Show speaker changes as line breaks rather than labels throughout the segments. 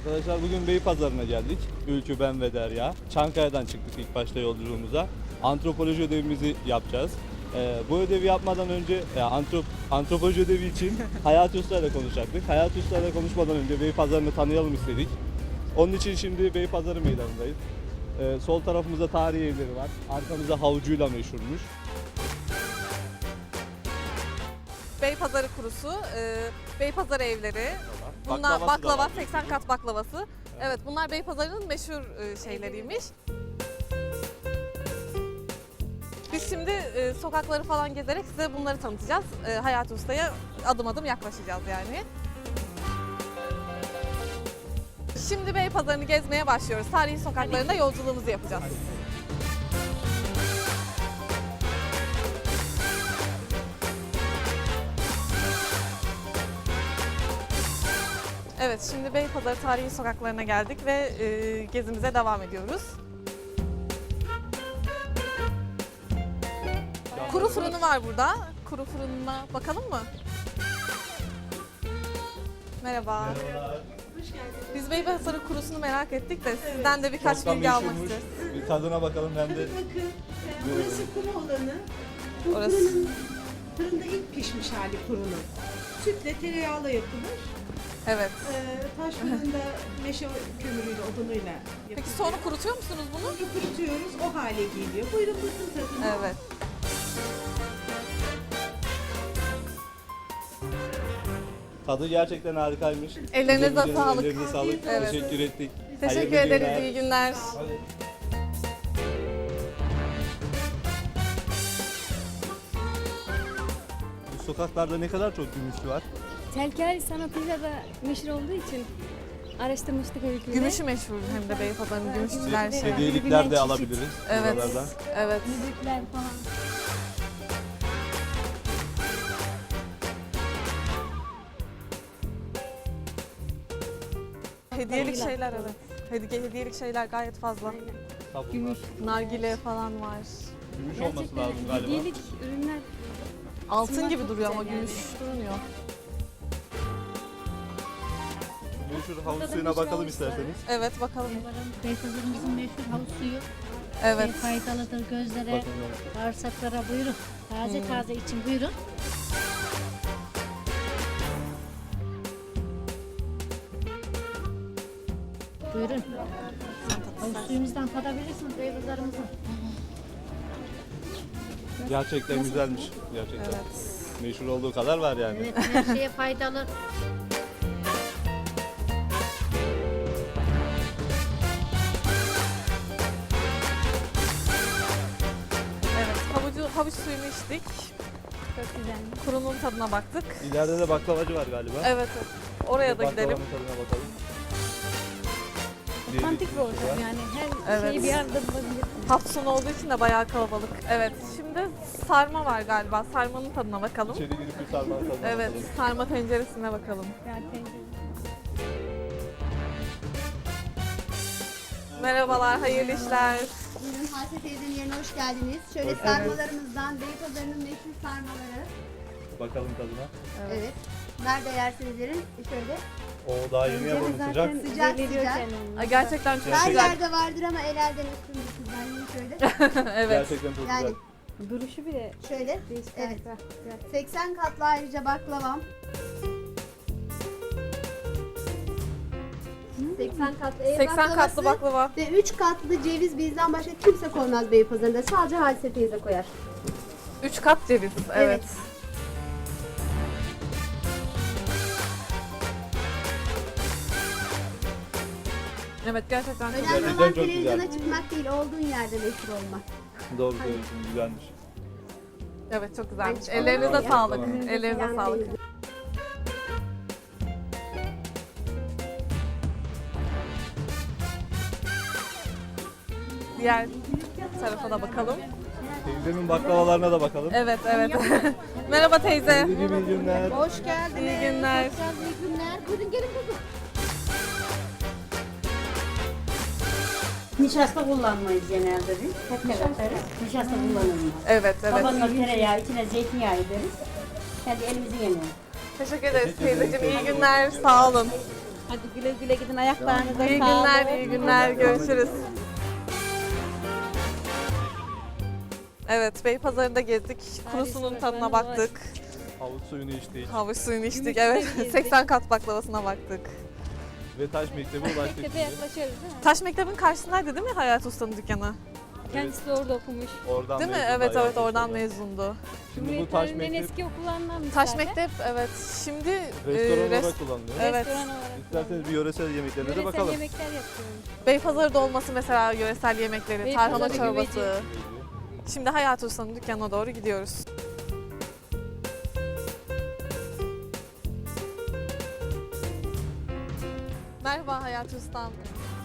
Arkadaşlar bugün Beypazarı'na geldik. Ülkü, ben ve Derya. Çankaya'dan çıktık ilk başta yolculuğumuza. Antropoloji ödevimizi yapacağız. Bu ödevi yapmadan önce antropoloji ödevi için Hayati Usta ile konuşacaktık. Hayati Usta ile konuşmadan önce Beypazarı'nı tanıyalım istedik. Onun için şimdi Beypazarı meydanındayız. Sol tarafımızda tarihi evleri var. Arkamızda havucuyla meşhurmuş.
Beypazarı kurusu, Beypazarı evleri, bunlar
Baklavası da
baklava,
var.
80 kat baklavası. Evet, bunlar Beypazarı'nın meşhur şeyleriymiş. Biz şimdi sokakları falan gezerek size bunları tanıtacağız. Hayati Usta'ya adım adım yaklaşacağız yani. Şimdi Beypazarı'nı gezmeye başlıyoruz. Tarihi sokaklarında yolculuğumuzu yapacağız. Evet, şimdi Beypazarı tarihi sokaklarına geldik ve gezimize devam ediyoruz. Kuru fırını var burada. Kuru fırınına bakalım mı? Merhaba. Biz Beypazarı kurusunu merak ettik de sizden de birkaç
Çok da
bilgi almak
meşhurmuş.
istiyoruz.
Bir tadına bakalım ben de.
Bakın, burası kuru olanı. Bu
Orası.
fırında ilk pişmiş hali kurunun. Sütle, tereyağıyla yapılır.
Evet.
Taş fırında meşe kömürüyle, odunuyla yapılır.
Peki sonra kurutuyor musunuz bunu?
Sonra kurutuyoruz, o hale geliyor. Buyurun bakın tadına.
Evet.
Tadı gerçekten harikaymış.
Ellerinize
Güzel,
sağlık.
Ellerinize sağlık.
Evet.
Teşekkür ettik.
Teşekkür
Hayırlı
ederiz.
günler.
İyi günler.
Bu sokaklarda ne kadar çok gümüşlü var.
Telkel sanatıyla da meşhur olduğu için araştırmıştık öyküyle.
Gümüşü meşhur hem de Beypazarı'nın gümüşçüler şey.
Hediyelikler de alabiliriz
Evet.
buralardan.
Evet.
Müzikler falan.
Hediyelik şeyler evet. Hediyelik şeyler gayet fazla.
Gümüş.
Nargile falan var.
Gümüş olması
Gerçekten
lazım galiba.
hediyelik ürünler.
Altın
Bunlar
gibi
çok
duruyor ama
güzel
gümüş durmuyor.
Meşhur havuz suyuna bakalım isterseniz.
Evet bakalım.
Beypazarımızın meşhur havuz suyu
Evet.
faydalıdır gözlere,
Bakalım.
bağırsaklara buyurun. Taze taze için buyurun. Buyurun. Havuz suyumuzdan tadabilirsiniz Beypazarımızın.
Gerçekten güzelmiş. Gerçekten.
Evet.
Meşhur olduğu kadar var yani.
Evet, her şeye faydalı.
Evet. Havuç suyunu içtik.
Çok güzel.
Kurunun tadına baktık.
İleride de baklavacı var galiba.
Evet. Oraya da gidelim.
Baklavanın tadına bakalım.
Otantik bir ortam yani her
Evet.
şeyi bir arada bulabilirsiniz.
Hafta sonu olduğu için de bayağı kalabalık. Evet. Şimdi sarma var galiba. Sarmanın tadına bakalım.
İçeri girip bir sarmanın tadına
Evet.
bakalım.
Sarma tenceresine bakalım.
Zaten
Merhabalar. Hayırlı işler.
Buyurun Hasret teyzenin yerine hoş geldiniz. Şöyle sarmalarımızdan Beypazarı'nın meşhur sarmaları.
Bakalım tadına.
Evet. Nerede yerseniz yerin. Şöyle
O daha yeni yapalım sıcak.
zaten
Sıcak
belli ediyor
sıcak.
kendini.
Ay, gerçekten çok
her
güzel.
yerde vardır ama el elden üstündür sizden. Yiyin şöyle.
Evet.
Gerçekten çok
Yani
güzel.
Duruşu bile
şöyle.
değişik.
Evet.
Güzel.
80 katlı ayrıca baklavam. 80 katlı ev
80 katlı
baklavası
baklava.
ve 3 katlı ceviz bizden başka kimse koymaz Beypazarı'nda. Sadece Hasret teyze koyar.
3 kat ceviz. Evet. Evet gerçekten çok
Önemli
Gerçekten
olan
çok güzel.
televizyona çıkmak değil, olduğun yerde meşhur olmak.
Doğru söylüyorsun, güzelmiş.
Evet çok güzelmiş.
Ben
Ellerinize
çıkamam
sağlık.
ya.
Ellerinize
Yani
sağlık.
değil.
Diğer tarafa da bakalım.
Teyzemin baklavalarına da bakalım.
Evet evet. Merhaba teyze.
Teyzeciğim iyi günler.
Hoş geldiniz.
İyi günler.
İyi günler. Buyurun gelin kızım.
Nişasta kullanmayız genelde biz. Hep ne katarız? Nişasta kullanılmaz.
Evet evet.
Tabanına tereyağı, içine zeytinyağı ederiz. Kendi elimizin yemeği.
Teşekkür ederiz teyzeciğim. İyi günler. Sağ olun.
Hadi güle güle gidin, ayaklarınıza
İyi
sağlık.
günler, iyi günler. Görüşürüz. Evet, Beypazarı'nda gezdik. Kurusunun tadına baktık.
Havuç suyunu içtik
Havuç suyunu içtik.
Gümüşleri
Evet,
gezdik.
80 kat baklavasına baktık.
ve Taş Mektebi ulaştık.
Tepe
şimdi.
yaklaşıyoruz değil mi?
Taş Mektebin karşısındaydı değil mi Hayat Usta'nın dükkanı?
Kendisi de orada okumuş.
Oradan
Değil mi?
mezun
Evet
bayağı
evet oradan
geçti.
mezundu.
Şimdi bu
Cumhuriyet
Taş
tarihinden
Mektep
eski okullarından bir
Taş
tane.
Mektep evet. Şimdi
restoran
res-
olarak kullanılıyor.
Evet.
Restoran olarak.
İsterseniz bir yöresel yemeklerine de
Yöresel
bakalım.
yemekler yapıyorum.
Beypazarı'da olması mesela yöresel yemekleri,
Beypazarı
tarhana çorbası.
güveci.
Şimdi Hayat Usta'nın dükkanına doğru gidiyoruz. Merhaba Hayat Usta'm.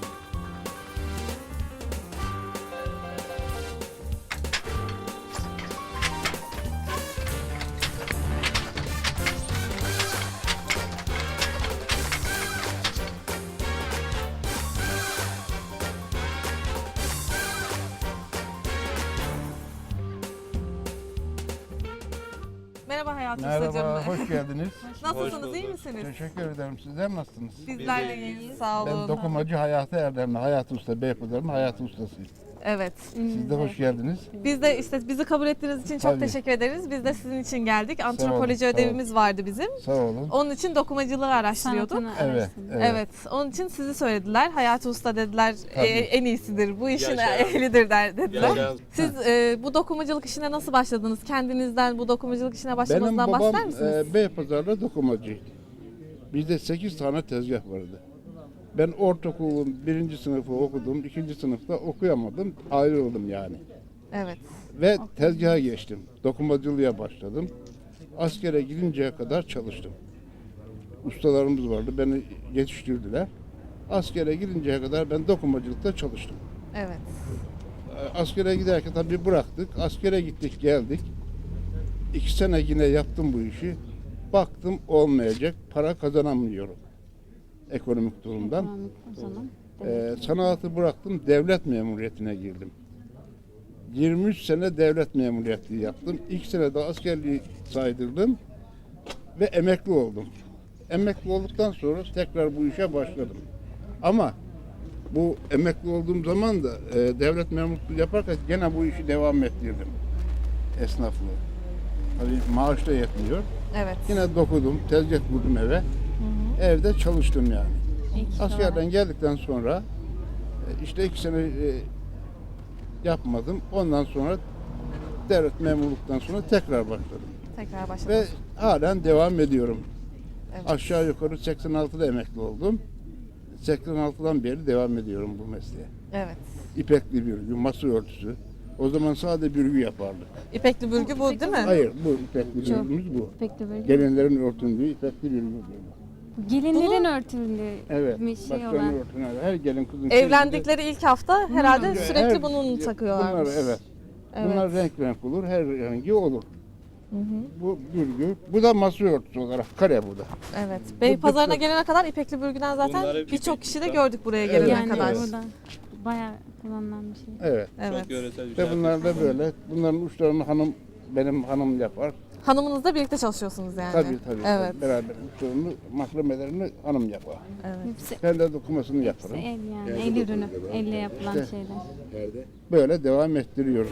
Merhaba Hayat
Merhaba,
Usta'cığım.
hoş geldiniz.
Hoş
Nasılsınız,
bulduk.
iyi misiniz?
Teşekkür ederim. Sizler nasılsınız?
Bizler de iyiyiz, sağ olun.
Ben dokumacı Hayati Erdemli, Hayati Usta, Beypazarı'nın Hayati Ustasıyım.
Evet.
Siz de hoş geldiniz.
Biz de işte bizi kabul ettiğiniz için çok
Tabii.
teşekkür ederiz. Biz de sizin için geldik. Antropoloji
sağ olun.
ödevimiz vardı bizim.
Sağ olun.
Onun için dokumacılığı araştırıyorduk.
Sanatını
Evet,
araştırdım.
Evet. Onun için sizi söylediler. Hayati Usta dediler
Tabii.
en iyisidir. Bu işin
Yaşayan.
ehlidir dediler.
Yaşayan.
Siz bu dokumacılık işine nasıl başladınız? Kendinizden bu dokumacılık işine
Benim
başlamanızdan
babam
bahseder misiniz?
Beypazarı'da dokumacıydı. Bizde 8 tane tezgah vardı. Ben ortaokulun 1. sınıfı okudum, 2. sınıfta okuyamadım, ayrıldım yani.
Evet.
Ve tezgaha geçtim. Dokumacılığa başladım. Askere gidinceye kadar çalıştım. Ustalarımız vardı, beni yetiştirdiler. Askere gidinceye kadar ben dokumacılıkta çalıştım.
Evet.
Askere giderken tabii bıraktık. Askere gittik geldik. 2 sene yine yaptım bu işi. Baktım olmayacak. Para kazanamıyorum. Ekonomik durumdan.
Ekonomik o zaman.
Sanatı bıraktım. Devlet memuriyetine girdim. 23 sene devlet memuriyeti yaptım. 2 sene de askerliği saydırdım. Ve emekli oldum. Emekli olduktan sonra tekrar bu işe başladım. Ama bu emekli olduğum zaman da devlet memurluğu yaparken gene bu işi devam ettirdim. Esnaflığı. Tabii maaş da yetmiyor.
Evet.
Yine dokudum, tezgah kurdum eve. Evde çalıştım yani. Askerden geldikten sonra işte 2 sene yapmadım. Ondan sonra devlet memurluktan sonra tekrar başladım.
Tekrar
Ve
başladınız.
halen devam ediyorum.
Evet.
Aşağı yukarı 86'da emekli oldum. 86'dan beri devam ediyorum bu mesleğe.
Evet.
İpekli bürgü, masa örtüsü. O zaman sadece bürgü yapardık.
İpekli bürgü bu değil mi?
Hayır, bu ipekli bürgümüz bu.
Pek de böyle.
Gelinlerin örtündüğü ipekli bürgü.
Gelinlerin örtüldüğü
Evet,
bir şey
başlarını
olan.
örtünen her gelin kızın
Evlendikleri ilk hafta herhalde
çeyizinde-
sürekli
her-
bunu takıyorlar.
Bunlar evet.
Evet.
Bunlar renk renk olur, her rengi olur. Bu bürgü, bu da masa örtüsü olarak kare bu da.
Evet. Beypazarı'na
dikkat-
gelene kadar İpekli Bürgü'den zaten
Bunlar hep
birçok
İpekli
kişi de
zaten.
gördük buraya
Evet.
gelene
Yani
kadar.
burada bayağı kullanılan bir şey.
Evet.
Evet.
Çok yöresel bir
Ve
şey.
bunlar da böyle. Bunların uçlarını benim hanım yapar.
Hanımınızla birlikte çalışıyorsunuz yani.
Tabii tabii.
Evet.
Beraber uçlarını, mahremelerini hanım yapar.
Evet.
Hepsi
Ben de dokumasını yaparım.
el yani. El ürünü. Elle yapılan
İşte.
şeyler.
Böyle devam ettiriyoruz.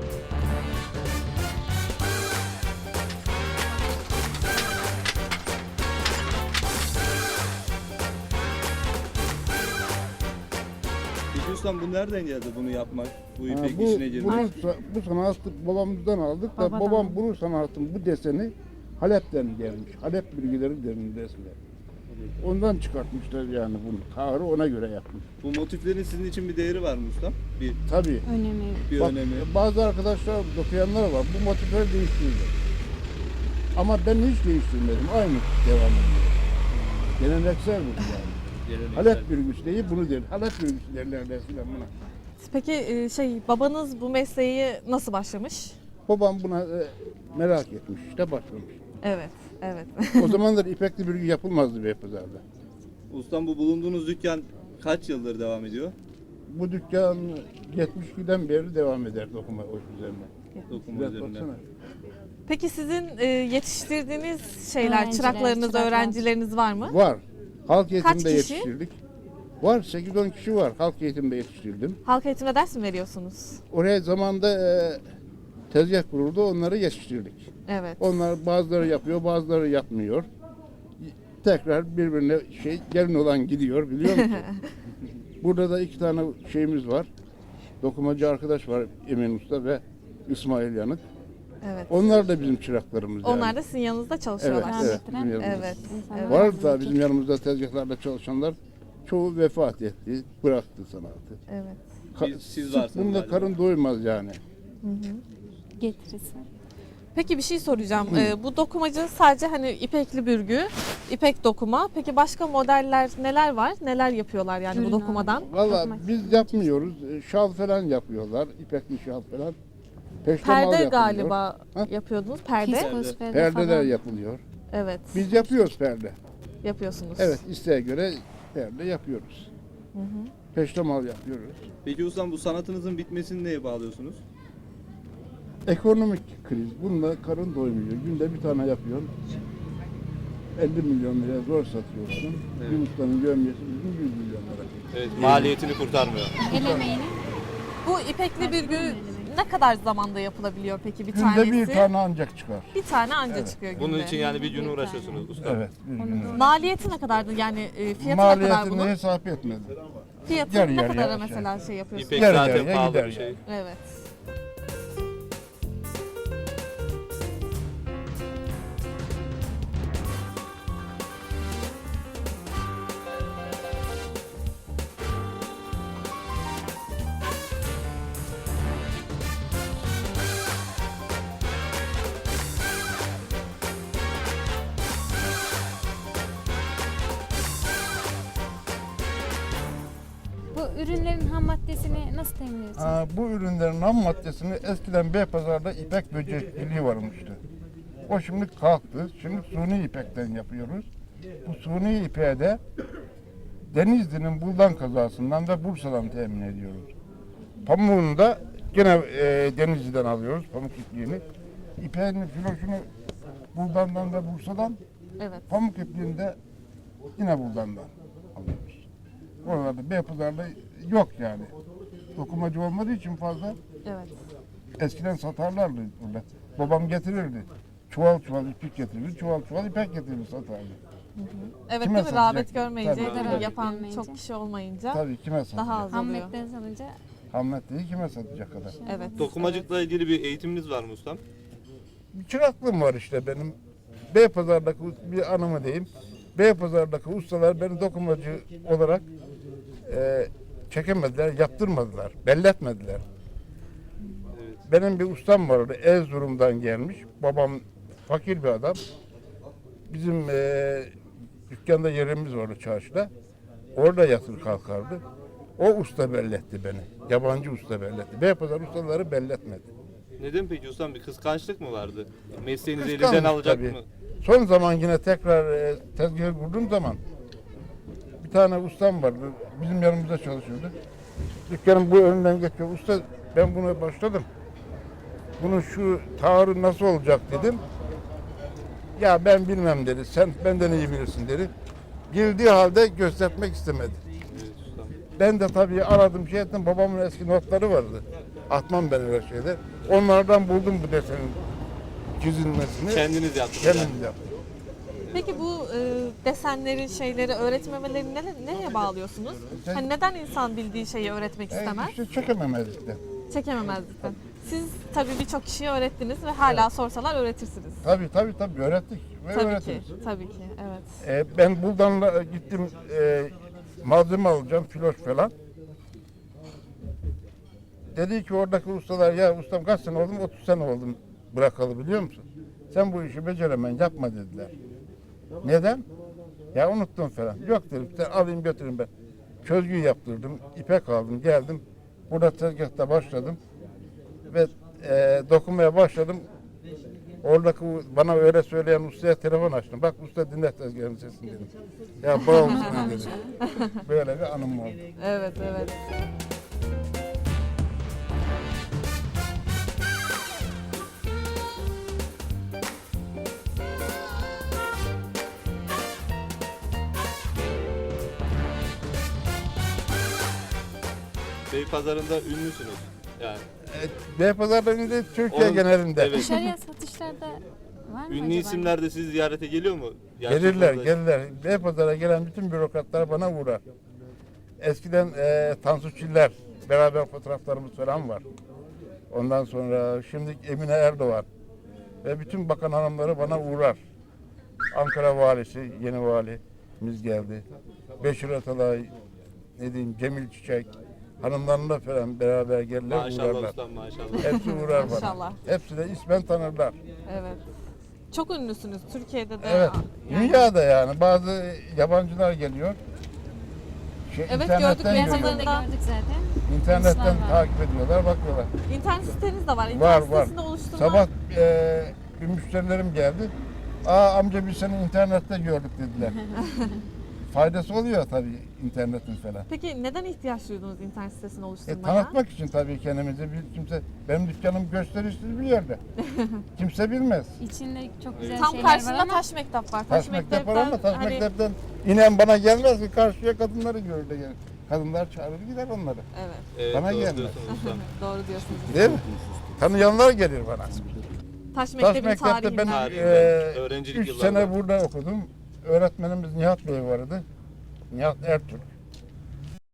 Peki ustam bu nereden geldi bunu yapmak? Bu
Ha,
ipek
bu,
işine girmek?
bu sanatı babamızdan aldık da
Babadan
babam
aldık.
bu sanatın bu deseni Halep'ten gelmiş. Halep bilgileri derin resmi. Ondan çıkartmışlar yani bunu. Tarih ona göre yapmış.
Bu motiflerin sizin için bir değeri var mı ustam? Bir,
Tabii.
Önemi.
bir
Bak,
önemi.
bazı arkadaşlar dokuyanlar var. Bu motifleri değiştirdi. Ama ben hiç değiştirmedim. Aynı devam ediyor. Geleneksel bu yani.
Geleneksel.
Halep bürgüsü değil bunu der. Halep bürgüsü derler eskiden buna.
Peki babanız bu mesleği nasıl başlamış?
Babam buna merak etmiş işte başlamış.
Evet. Evet.
O zamanlar ipekli bürgü yapılmazdı Beypazar'da.
Ustam bu bulunduğunuz dükkan kaç yıldır devam ediyor?
Bu dükkan 72'den beri devam eder dokuma o üzerine.
Dokuma
Biraz
üzerinde.
baksana.
Peki sizin yetiştirdiğiniz şeyler,
Öğrenciler,
çıraklarınız,
çıraklar.
öğrencileriniz var mı?
Var. Halk eğitimde
kişi?
yetiştirdik. Var 8-10 kişi var. Halk eğitimde yetiştirdim.
Halk eğitimde ders mi veriyorsunuz?
Oraya zamanda tezgah kuruldu. Onları yetiştirdik.
Evet.
Onlar bazıları yapıyor, bazıları yapmıyor. Tekrar birbirine gelin olan gidiyor biliyor musun? Burada da 2 tane şeyimiz var. Dokumacı arkadaş var Emin Usta ve İsmail Yanık.
Evet.
Onlar da bizim çıraklarımız yani.
Onlar da sizin yanınızda
Evet,
çalışıyorlar.
evet. Bizim yanımızda.
Evet. evet.
Var da bizim yanımızda tezgahlarda çalışanlar çoğu vefat etti, bıraktı sanatı.
Evet.
Siz varsınız
Bununla
galiba.
karın doymaz yani.
Getirisi.
Peki bir şey soracağım. Bu dokumacı sadece hani ipekli bürgü, ipek dokuma. Peki başka modeller neler var? Neler yapıyorlar yani bu
Ürün
dokumadan?
Valla biz yapmıyoruz. Şal falan yapıyorlar, ipekli şal falan. Peştemal
Perde
yapılıyor.
galiba
Ha?
yapıyordunuz. Perde.
Fiskos perde
Perdeler
falan.
yapılıyor.
Evet.
Biz yapıyoruz perde.
Yapıyorsunuz.
Evet, isteğe göre perde yapıyoruz. Peştemal yapıyoruz.
Peki ustam bu sanatınızın bitmesini neye bağlıyorsunuz?
Ekonomik kriz. Bununla karın doymuyor. Günde bir tane yapıyorsun. 50 milyon liraya zor satıyorsun.
Evet.
Bir ustanın gömyesi bizim 100 milyon lira.
Evet, maliyetini kurtarmıyor.
El emeğini.
Bu ipekli bürgü ne kadar zamanda yapılabiliyor peki bir
Günde
tanesi?
bir tane ancak çıkar.
Bir tane anca çıkıyor günde.
Bunun için yani bir gün uğraşıyorsunuz ustam.
Evet. Bir gün.
Maliyeti ne kadardı yani fiyatı ne kadar
Maliyetini
bunun?
hesap etmedim.
Fiyatı
yarı
ne
yarıya
kadara
şey.
mesela şey yapıyorsunuz?
İpek
Yarı
zaten
yarıya
pahalı
gider
bir şey.
Evet.
Bu ürünlerin ham maddesini nasıl temin ediyorsunuz?
Bu ürünlerin ham maddesini eskiden Beypazar'da ipek böcekçiliği varmıştı. O şimdi kalktı. Şimdi suni ipekten yapıyoruz. Bu suni ipeği de Denizli'nin Buldan kazasından ve Bursa'dan temin ediyoruz. Pamuğunu da yine Denizli'den alıyoruz, pamuk ipliğini. İpeğin filoşunu Buldan'dan ve Bursa'dan,
Evet.
pamuk ipliğini de yine Buldan'dan alıyoruz. Oralarda Beypazar'da yok yani. Dokumacı olmadığı için fazla.
Evet.
Eskiden satarlardı burada. Babam getirirdi. Çuval çuval ipek getirirdi, çuval çuval ipek getirirdi satardı.
Evet
Kime
değil mi?
satacak?
Rağbet görmeyince,
Tabii,
değil mi?
tabii.
Yapan
Görmeyince.
çok kişi olmayınca
Tabii kime satacak?
daha az
Ham
oluyor.
maddesi alınca
Hamlet değil kime satacak kadar.
Evet.
Dokumacılıkla ilgili bir eğitiminiz var mı ustam?
Bir çıraklığım var işte benim. Beypazar'daki bir anımı diyeyim. Beypazar'daki ustalar beni dokumacı olarak çekemediler, yaptırmadılar, belletmediler. Benim bir ustam vardı, Erzurum'dan gelmiş. Babam fakir bir adam. Bizim dükkanda yerimiz vardı çarşıda. Orada yatır kalkardı. O usta belletti beni. Yabancı usta belletti. Beypazar ustaları belletmedi.
Neden peki ustam? Bir kıskançlık mı vardı? Mesleğinizi
Kıskanmış
elinden alacak
tabii.
mı?
Son zaman yine tekrar tezgahı kurduğum zaman bir tane ustam vardı. Bizim yanımızda çalışıyordu. Dükkanın bu önünden geçiyor. Usta ben buna başladım. Bunun şu taarruz nasıl olacak dedim. Ya ben bilmem dedi. Sen benden iyi bilirsin dedi. Bildiği halde göstermek istemedi.
Evet ustam.
Ben de tabii aradım şey ettim. Babamın eski notları vardı. Atmam ben öyle şeyler. Onlardan buldum bu desenin çizilmesini.
Kendiniz yaptınız yani.
Kendim yaptım.
Peki bu desenleri, şeyleri öğretmemelerini neye bağlıyorsunuz? Hani neden insan bildiği şeyi öğretmek istemez?
İşte çekememezlikten.
Çekememezlikten. Siz tabii birçok kişiye öğrettiniz ve hala sorsalar öğretirsiniz.
Tabii öğrettik ve
Tabii ki,
öğretiriz.
tabii ki, evet.
Ben Buldan'la gittim malzeme alacağım, filoş falan. Dedi ki oradaki ustalar ya ustam kaç sene oldum? 30 sene oldum bırakalı biliyor musun? Sen bu işi beceremen yapma dediler. Neden? Ya unuttum falan. Yok dedim sen alayım götürün ben. Çözgü yaptırdım, ipek aldım geldim. Burada tezgahta başladım. Ve dokunmaya başladım. Oradaki bana öyle söyleyen ustaya telefon açtım. Bak usta dinle tezgahın sesini dedim. Ya bağımsın dedi. Böyle bir anım oldu.
Evet, evet.
Beypazarı'nda ünlüsünüz. Yani
Beypazarı'nda Türkiye
Onun-
genelinde.
evet.
Dışarıya satışlarda var mı
Ünlü
acaba?
isimler de sizi ziyarete geliyor mu? Gerçek
Gelirler,
orada-
gelirler. Beypazarı'na gelen bütün bürokratlar bana uğrar. Eskiden Tansu Çiller, beraber fotoğraflarımız falan var. Ondan sonra şimdi Emine Erdoğan ve bütün bakan hanımları bana uğrar. Ankara valisi, yeni valimiz geldi. Beşir Atalay, ne diyeyim, Cemil Çiçek, hanımlarla falan beraber gelirler,
Maşallah
uğrarlar.
ustam maşallah.
Hepsi uğrar bana.
Maşallah.
Hepsi de ismen tanırlar.
Evet. Çok ünlüsünüz Türkiye'de de.
Evet,
Yani-
dünyada yani bazı yabancılar geliyor.
Evet,
internetten
gördük,
görüyorlar.
Beypazarı'nda gördük zaten.
İnternetten
Polisler var.
takip ediyorlar, bakıyorlar.
İnternet siteniz de var. İnternet
Var var.
sitesinde oluşturma.
Sabah bir müşterilerim geldi. Amca biz seni internette gördük dediler. Faydası oluyor tabii internetin falan.
Peki neden ihtiyaç duydunuz internet sitesini oluşturmaya?
Tanıtmak için tabii kendimizi. Kimse, benim dükkanım gösterişsiz bir yerde. Kimse bilmez.
İçinde çok güzel
Tam
şeyler var
karşısında
ama
taş mektep var.
Taş mektep var ama taş
hani-
mektepten inen bana gelmez ki, karşıya kadınları görür de gelir. Kadınlar çağırır gider onları.
Evet,
Evet,
Bana
doğru
gelmez.
diyorsunuz ustam.
doğru diyorsunuz.
Değil mi? Tanıyanlar gelir bana.
Taş
Taş
mektebin
mektepte ben
tarihinden.
Tarihinden, öğrencilik
3
yıllarında.
sene burada okudum. Öğretmenimiz Nihat Bey vardı. Nihat Ertürk.